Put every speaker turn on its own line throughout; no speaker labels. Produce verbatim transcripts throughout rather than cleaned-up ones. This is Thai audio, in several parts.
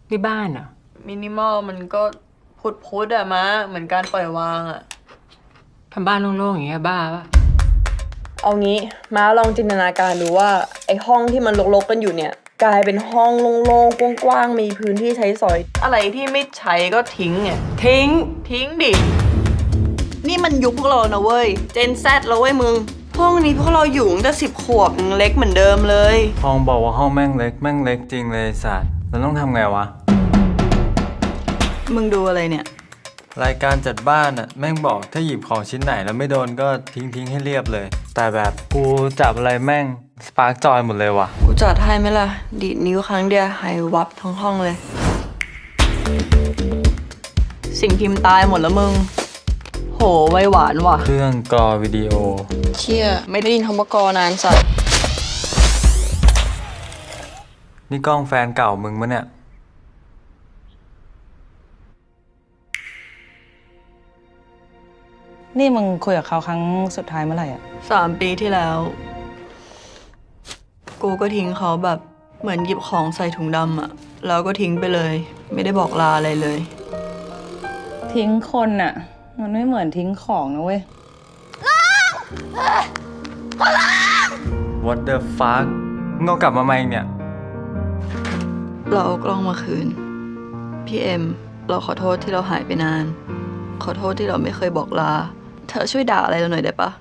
ที่บ้านอ่ะ
มินิมอลมันก็พุดพุดอะมะเหมือนการปล่อยวางอะ
ทำบ้านโล่งๆอย่างเงี้ยบ้าปะ
เอางี้ม้าลองจินตนาการดูว่าไอ้ห้องที่มันรกๆกันอยู่เนี่ยกลายเป็นห้องโล่งๆกว้างๆมีพื้นที่ใช้สอย อะไรที่ไม่ใช้ก็ทิ้งไง
ทิ้ง
ทิ้งดิ นี่มันยุคพวกเรานะเว้ย เจนแซดแล้วเว้ยมึง ห้องนี้พวกเราอยู่ตั้งแต่สิบขวบยังเล็กเหมือนเดิมเลย
ห้องบอกว่าห้องแม่งเล็กแม่งเล็กจริงเลยสัตว์แล้วต้องทำไงวะ
มึงดูอะไรเนี่ย
รายการจัดบ้านอะแม่งบอกถ้าหยิบของชิ้นไหนแล้วไม่โดนก็ทิ้งทิ้งให้เรียบเลย แต่แบบกูจับอะไรแม่งสปาร์กจอยหมดเลยว่ะ
กูจัดให้ไหมล่ะ ดีดนิ้วครั้งเดียวหายวับทั้งห้องเลย สิ่งพิมพ์ตายหมดแล้วมึง โหไวหวานว่ะ
เครื่องกรอวิดีโอ
เชี่ยไม่ได้ยินคำว่ากอนานสัตว์
นี่กล้องแฟนเก่ามึงมะเนี่ย
นี่มึงคุยกับเขาครั้งสุดท้ายเมื่อไหร่อ่ะ
สามปีที่แล้ว กูก็ทิ้งเขาแบบเหมือนหยิบของใส่ถุงดำอะแล้วก็ทิ้งไปเลย ไม่ได้บอกลาอะไรเลย
ทิ้งคนอ่ะ มันไม่เหมือนทิ้งของนะเว้ย
What the fuck มึงเอากลับมาไหมเนี่ย
เราเอากล้องมาคืน พี่เอ็ม เราขอโทษที่เราหายไปนาน ขอโทษที่เราไม่เคยบอกลา เธอช่วยด่าอะไรเราหน่อยได้ปะ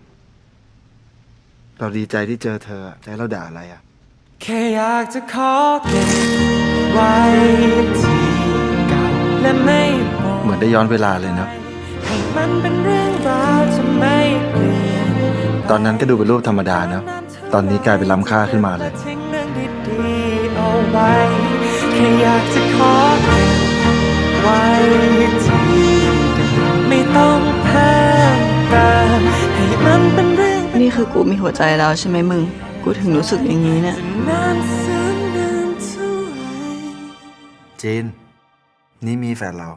เราดีใจที่เจอเธอแต่เราด่าอะไรอ่ะ
แค่อยากจะขอเก็บไว้ที่เก่าและไม่บอก
เหมือนได้ย้อนเวลาเลยเนาะ
ให้มันเป็นเรื่องราวจะไม่เปลี่ยน
ตอนนั้นก็ดูเป็นรูปธรรมดาเนาะ ตอนนี้กลายเป็นล้ำค่าขึ้นมาเลย
ทิ้งเรื่องดีๆเอาไว้แค่อยากจะขอเก็บไว้ที่เดิมไม่ต้องเพิ่มเติมให้มันเป็นเรื่อง
นี่คือกูมีหัวใจแล้วใช่ไหมมึง กูถึงรู้สึกอย่างนี้เนี่ย
นานแสนนานเท่าไหร่
จีน นี่มีแฟนเรา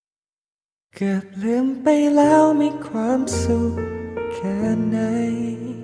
เกือบลืมไปแล้วมีความสุขแค่ไหน